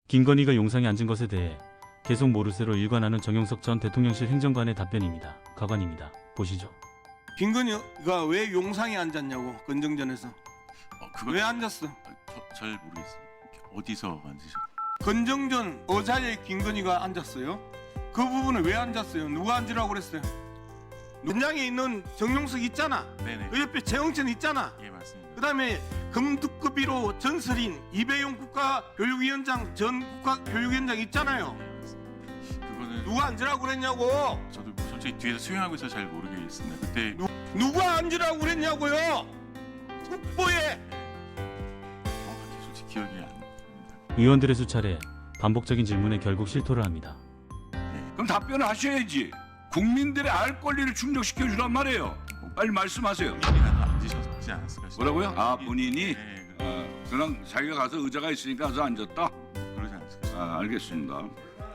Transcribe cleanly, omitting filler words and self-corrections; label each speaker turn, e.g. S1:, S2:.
S1: 김건희가 용상에 앉은 것에 대해 계속 모르쇠로 일관하는 정용석 전 대통령실 행정관의 답변입니다. 가관입니다. 보시죠.
S2: 김건희가 왜 용상에 앉았냐고, 건정전에서. 왜 앉았어?
S3: 잘 모르겠어요. 어디서 앉으셨?
S2: 건정전 의자에 김건희가 앉았어요. 그 부분은 왜 앉았어요? 누가 앉으라고 그랬어요? 현장에 있는 정용석 있잖아.
S3: 네네.
S2: 그 옆에 최영천 있잖아.
S3: 예, 맞습니다.
S2: 그 다음에 금두급비로 전설인 이배용 국가교육위원장 전 국가교육위원장 있잖아요.
S3: 예, 맞습니다. 그거는
S2: 누가 앉으라고 그랬냐고.
S3: 저도 솔직히 뒤에서 수행하고 있어 잘 모르겠습니다. 그때
S2: 누가 앉으라고 그랬냐고요. 국보에.
S3: 정확하게 솔직히 기억이 안 납니다.
S1: 의원들의 수차례 반복적인 질문에 결국 실토를 합니다.
S4: 그럼 답변을 하셔야지. 국민들의 알 권리를 충족시켜 주란 말이에요. 빨리 말씀하세요.
S3: 본인이라도 앉으셨지 않았을까 싶어요.
S4: 뭐라고요? 아, 본인이?
S3: 네,
S4: 그냥 자기가 가서 의자가 있으니까 가서 앉았다?
S3: 그러지 않았을까 싶어요.
S4: 알겠습니다.